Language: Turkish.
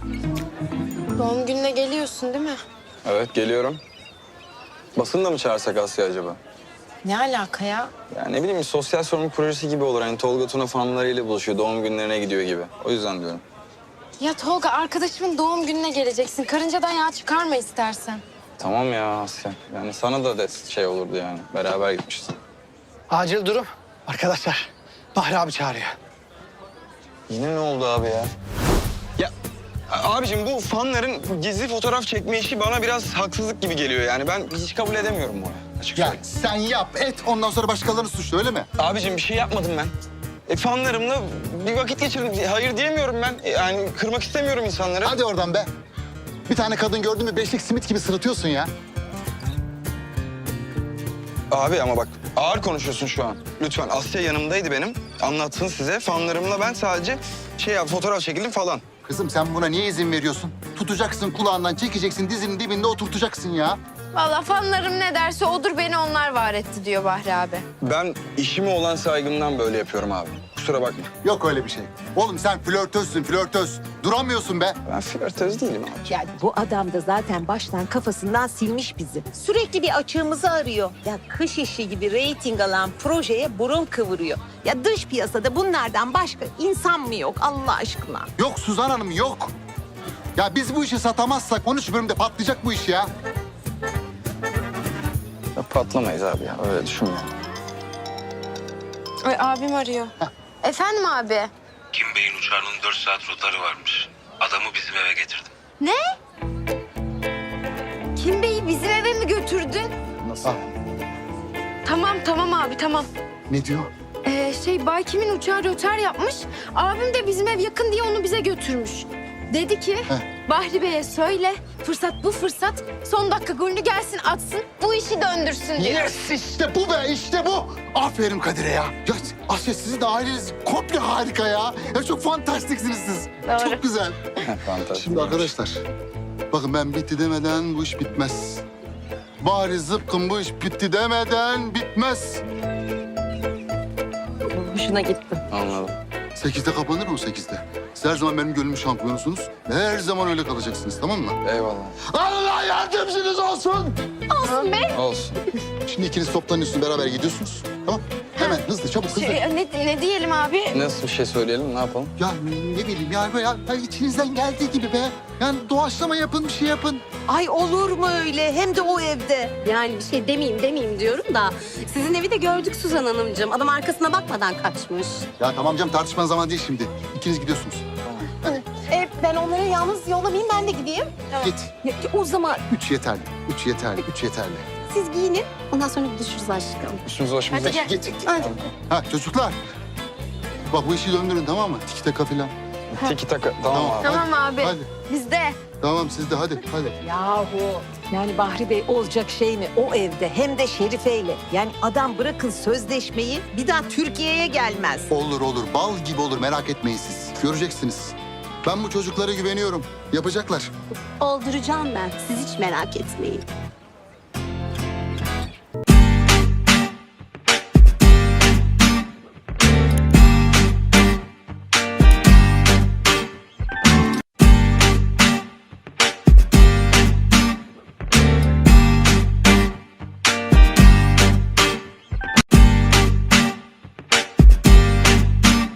Doğum gününe geliyorsun değil mi? Evet, geliyorum. Basını da mı çağırsak Asya acaba? Ne alaka ya? Ya ne bileyim, sosyal sorumluluk projesi gibi olur. Hani Tolga Tuna fanlarıyla buluşuyor, doğum günlerine gidiyor gibi. O yüzden diyorum. Ya Tolga, arkadaşımın doğum gününe geleceksin. Karıncadan yağ çıkarma istersen. Tamam ya Asya. Yani sana da şey olurdu yani. Beraber gitmişiz. Acil durum. Arkadaşlar, Bahri abi çağırıyor. Yine ne oldu abi ya? Ya abicim, bu fanların gizli fotoğraf çekme işi bana biraz haksızlık gibi geliyor yani. Ben hiç kabul edemiyorum bunu. Açık Ya söyleyeyim. sen yap, et. Ondan sonra başkalarını suçla, öyle mi? Abicim bir şey yapmadım ben. Fanlarımla bir vakit geçirdim. Hayır diyemiyorum ben. Yani kırmak istemiyorum insanları. Hadi oradan be. Bir tane kadın gördün mü beşlik simit gibi sırıtıyorsun ya. Abi ama bak, ağır konuşuyorsun şu an. Lütfen, Asya yanımdaydı benim. Anlatsın size. Fanlarımla ben sadece fotoğraf çekildim falan. Kızım sen buna niye izin veriyorsun? Tutacaksın kulağından, çekeceksin, dizinin dibinde oturtacaksın ya. Vallahi fanlarım ne derse odur, beni onlar var etti diyor Bahri abi. Ben işime olan saygımdan böyle yapıyorum abi. Kusura bakma. Yok öyle bir şey. Oğlum sen flörtözsün, flörtöz. Duramıyorsun be. Ben flörtöz değilim abi. Yani bu adam da zaten baştan kafasından silmiş bizi. Sürekli bir açığımızı arıyor. Ya kış işi gibi reyting alan projeye burun kıvırıyor. Ya dış piyasada bunlardan başka insan mı yok Allah aşkına? Yok Suzan Hanım, yok. Ya biz bu işi satamazsak 13 bölümde patlayacak bu iş ya. Ya patlamayız abi ya. Öyle düşünme. Ay, abim arıyor. Efendim abi? Kim Bey'in uçağının 4 saat rotları varmış. Adamı bizim eve getirdim. Ne? Kim Bey'i bizim eve mi götürdün? Nasıl? Ah, Tamam abi, tamam. ne diyor? Bay Kim'in uçağı rötar yapmış. Abim de bizim ev yakın diye onu bize götürmüş. Dedi ki, Bahri Bey'e söyle, fırsat bu fırsat. Son dakika golünü gelsin atsın, bu işi döndürsün diyor. Yes, işte bu be, işte bu. Aferin Kadir'e ya. Ya Asya, sizin de aileniz komple harika ya. Ya çok fantastiksiniz siz. Doğru. Çok güzel. Fantastik. Şimdi arkadaşlar, bakın ben bitti demeden bu iş bitmez. Bari zıpkın bu iş bitti demeden bitmez. Hoşuna gitti. Anladım. 8'de kapanır mı 8'de? Siz her zaman benim gönlümün şampiyonusunuz. Her zaman öyle kalacaksınız, tamam mı? Eyvallah. Allah yardımcınız olsun. Olsun be. Olsun. Şimdi ikiniz toplanıyorsunuz, beraber gidiyorsunuz. Tamam? Hemen hızlı, çabuk, hızlı. Ne diyelim abi? Nasıl bir şey söyleyelim, ne yapalım? Ya ne bileyim yani böyle ya içinizden geldiği gibi be. Yani doğaçlama yapın, bir şey yapın. Ay olur mu öyle? Hem de o evde. Yani bir şey demeyeyim diyorum da sizin evi de gördük Suzan Hanımcığım. Adam arkasına bakmadan kaçmış. Ya tamam canım, tartışmanın zamanı değil şimdi. İkiniz gidiyorsunuz. Ben onları yalnız yollamayayım, ben de gideyim. Git. Ya, o zaman 3 yeterli, 3 yeterli, 3 yeterli. siz giyinin, ondan sonra buluşuruz aşkım. Üstümüz başımıza. Hadi gel. Git. Hadi. Ha çocuklar. Bak bu işi döndürün, tamam mı? Tiki taka filan. Tiki taka. Tamam abi. Tamam abi. Hadi. Bizde. Tamam siz de hadi. Yahu yani Bahri Bey olacak şey mi o evde hem de Şerife'yle. Yani adam bırakın sözleşmeyi bir daha Türkiye'ye gelmez. Olur, bal gibi olur, merak etmeyin siz. Göreceksiniz. Ben bu çocuklara güveniyorum. Yapacaklar. Olduracağım ben. Siz hiç merak etmeyin.